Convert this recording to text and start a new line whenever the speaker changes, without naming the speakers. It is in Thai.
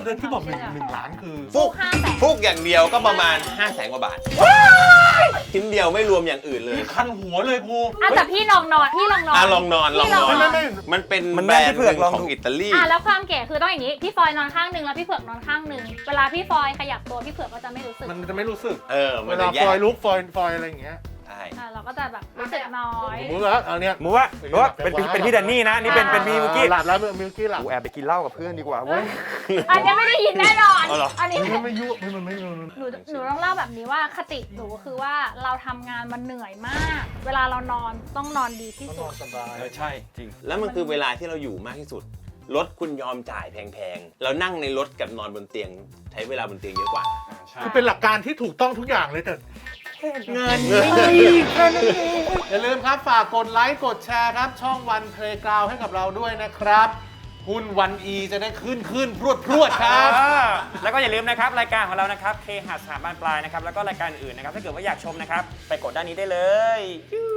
ที่บอก1 ล้านคือ
ฟุกอย่างเดียวก็ประมาณ 500,000 กว่าบาทชิ้นเดียวไม่รวมอย่างอื่นเลย
คันหัวเลยครู
แต่พี่ลองนอนพี่ลองนอน
ลองนอน
ไม่
มันเป็น
มัน
แบร
แม่
น
ที่
ด์
เผือกลอง
ของอิตาลี
แล้วความเก๋คือต้องอย่างนี้พี่ฟอยนอนข้างหนึ่งแล้วพี่เผือกนอนข้างหนึ่งเวลาพี่ฟอยขยับตัวพี่เผือกก็จะไม่รู้สึก
มันจะไม่รู้สึก
มั
เวน
จะ
ลา
แย
ฟ
ก
อยลุกฟอยอะไรอย่างเงี้ย
ใช่
เราก็จะแบบรู้สึกน้อย
สมมติว่าเอาเนี้ย
มูว่าเป็นพี่แดนนี่นะนี่เป็นพี่มิวกี้
หลับแล้วมิวกี้หลับ
กูแอบไปกินเหล้ากับเพื่อนดีกว่าเว้ย
อันนี้ไม่ได้ยินแน่นอน
เอาเหรอ
อันนี้
มันไม่ยุมันไม่
หนูต้องเล่าแบบนี้ว่าคติหนูคือว่าเราทำงานมันเหนื่อยมาก เวลาเรานอนต้องนอนดีที่สุด
สบาย
ใช่จริง
แล้วมันคือเวลาที่เราอยู่มากที่สุดรถคุณยอมจ่ายแพงๆเรานั่งในรถกับนอนบนเตียงใช้เวลาบนเตียงเยอะกว่า
คือเป็นหลักการที่ถูกต้องทุกอย่างเลยแต่เงินอย่าลืมครับฝากกดไลค์กดแชร์ครับช่องวันเพลย์กราวให้กับเราด้วยนะครับหุ้นวันอีจะได้ขึ้นพรวดครับ
แล้วก็อย่าลืมนะครับรายการของเรานะครับเคหะสถาบันปลายนะครับแล้วก็รายการอื่นนะครับถ้าเกิดว่าอยากชมนะครับไปกดด้านนี้ได้เลย